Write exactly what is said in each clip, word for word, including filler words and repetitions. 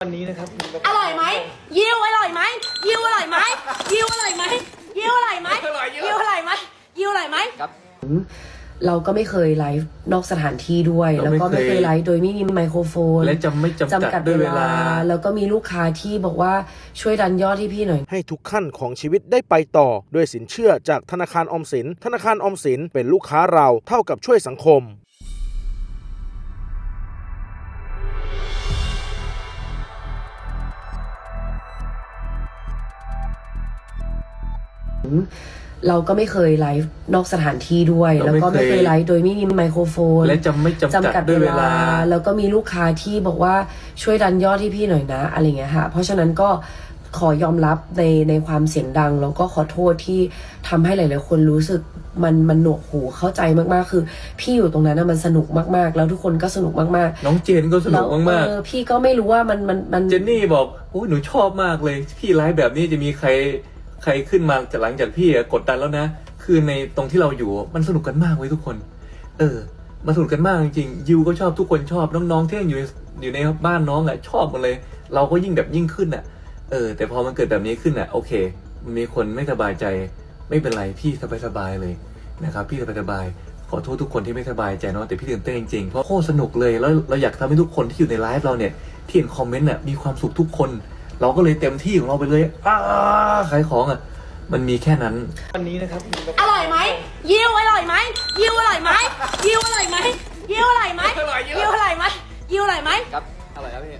วันนี้นะครับอร่อยไหมยิวอร่อยไหมยิวอร่อยไหมยิวอร่อยไหมยิวอร่อยไหมยิวอร่อยไหมยิวอร่อยไหมครับเราก็ไม่เคยไลฟ์นอกสถานที่ด้วยแล้วก็ไม่เคยไลฟ์โดยไม่มีไมโครโฟนและจำไม่จำกัดด้วยเวลาแล้วก็มีลูกค้าที่บอกว่าช่วยดันยอดที่พี่หน่อยให้ทุกขั้นของชีวิตได้ไปต่อด้วยสินเชื่อจากธนาคารออมสินธนาคารออมสินเป็นลูกค้าเราเท่ากับช่วยสังคมเราก็ไม่เคยไลฟ์นอกสถานที่ด้วยแล้วก็ไม่เคยไลฟ์โดยไม่มีไมโครโฟนและจำไม่จำกัดด้วยเวลาแล้วก็มีลูกค้าที่บอกว่าช่วยดันยอดที่พี่หน่อยนะอะไรเงี้ยค่ะเพราะฉะนั้นก็ขอยอมรับในในความเสียงดังแล้วก็ขอโทษที่ทำให้หลายๆคนรู้สึกมันมันหนวกหูเข้าใจมากๆคือพี่อยู่ตรงนั้นนะมันสนุกมากๆแล้วทุกคนก็สนุกมากๆน้องเจนก็สนุกมากๆพี่ก็ไม่รู้ว่ามันมันมันเจนนี่บอกโอ้ยหนูชอบมากเลยพี่ไลฟ์แบบนี้จะมีใครใครขึ้นมาจากหลังจากพี่กดดันแล้วนะคือในตรงที่เราอยู่มันสนุกกันมากเว้ยทุกคนเออมาสนุกกันมากจริงๆยูก็ชอบทุกคนชอบน้องๆที่อยู่อยู่ในบ้านน้องอ่ะชอบหมดเลยเราก็ยิ่งแบบยิ่งขึ้นอ่ะเออแต่พอมันเกิดแบบนี้ขึ้นอ่ะโอเคมันมีคนไม่สบายใจไม่เป็นไรพี่สบายๆเลยนะครับพี่สบายๆขอโทษทุกคนที่ไม่สบายใจเนาะแต่พี่ตื่นเต้นจริงๆเพราะโคตรสนุกเลยแล้วเราอยากทำให้ทุกคนที่อยู่ในไลฟ์เราเนี่ยที่เห็นคอมเมนต์อ่ะมีความสุขทุกคนเราก็เลยเต็มที่ของเราไปเลยอ้าขายของอ่ะมันมีแค่นั้นวันนี้นะครับอร่อยไหมยิวอร่อยไหมยิวอร่อยไหมยิวอร่อยไหมยิวอร่อยไหมยิวอร่อยไหมยิวอร่อยไหมครับอร่อยครับพี่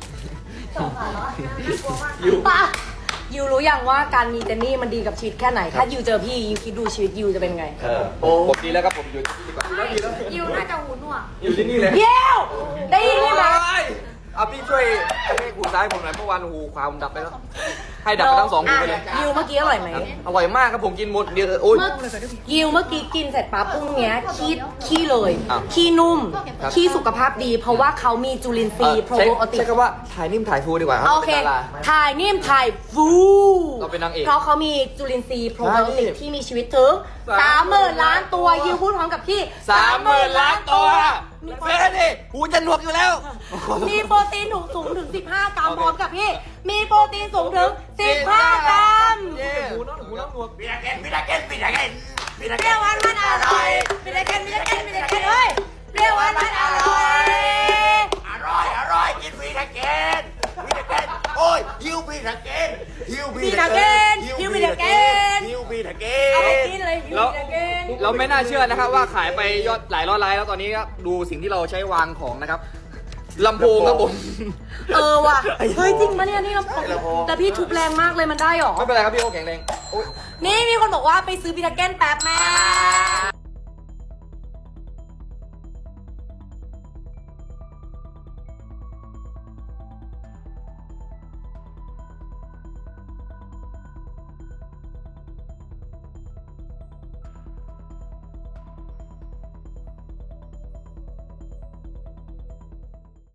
ยิวป่ะยิวรู้ยังว่าการมีเจนนี่มันดีกับชีวิตแค่ไหนถ้ายิวเจอพี่ยิวคิดดูชีวิตยิวจะเป็นไงโอ้ผมดีแล้วครับผมอยู่ที่นี่ดีกว่ายิวน่าจะหูหนวกอยู่ที่นี่เลยยิวได้ยินไหมเอาพี่ช่วยให้หูซ้ายผมหน่อยเมื่อวานหูขวาผมดับไปแล้วให้ดับไปทั้งสองหูเลยยิวเมื่อกี้อร่อยไหมอร่อยมากครับผมกินหมดเดียวโอ้ยยิวเมื่อกี้กินเสร็จปั๊บพรุ่งนี้ขี้ขี้เลยขี้นุ่มขี้สุขภาพดีเพราะว่าเขามีจุลินทรีย์โปรไบโอติกใช้คำว่าถ่ายนิ่มถ่ายฟูดีกว่าครับโอเคถ่ายนิ่มถ่ายฟูเราเป็นนางเอกเพราะเขามีจุลินทรีย์โปรไบโอติกที่มีชีวิตถึงสามหมื่นล้านตัวยิวพูดพร้อมกับพี่สามหมื่นล้านตัวเฟ้ดิหูจะหนวกอยู่แล้วมีโปรตีนสูงถึงสิบห้ากรัมพร้อมกับพี่มีโปรตีนสูงถึงสิบห้ากรัมหูน้องหูน้องหนวกปีนาเกนปีนาเกนปีนาเกนปีนาเกนวันมันอร่อยปีนาเกนปีนาเกนปีนาเกนเฮ้ยเรียกวันมันอร่อยอร่อยอร่อยกินปีนาเกนปีนาเกนโอ้ยฮิวปีนาเกนฮิวปีนาเกนฮิวปีนาเกนฮิวปีนาเกนเอาไปกินเลยฮิวปีนาเกนเราไม่น่าเชื่อนะครับว่าขายไปยอดหลายร้อยไลค์แล้วตอนนี้ครับดูสิ่งที่เราใช้วางของนะครับลำโพงครับผมเออว่ะเฮ้ยจริงปะเนี่ยนี่ลำโพงแต่พี่ทุบแรงมากเลยมันได้หรอไม่เป็นไรครับพี่โอแข็งแรงนี่มีคนบอกว่าไปซื้อปีนาเกนแป๊บแม่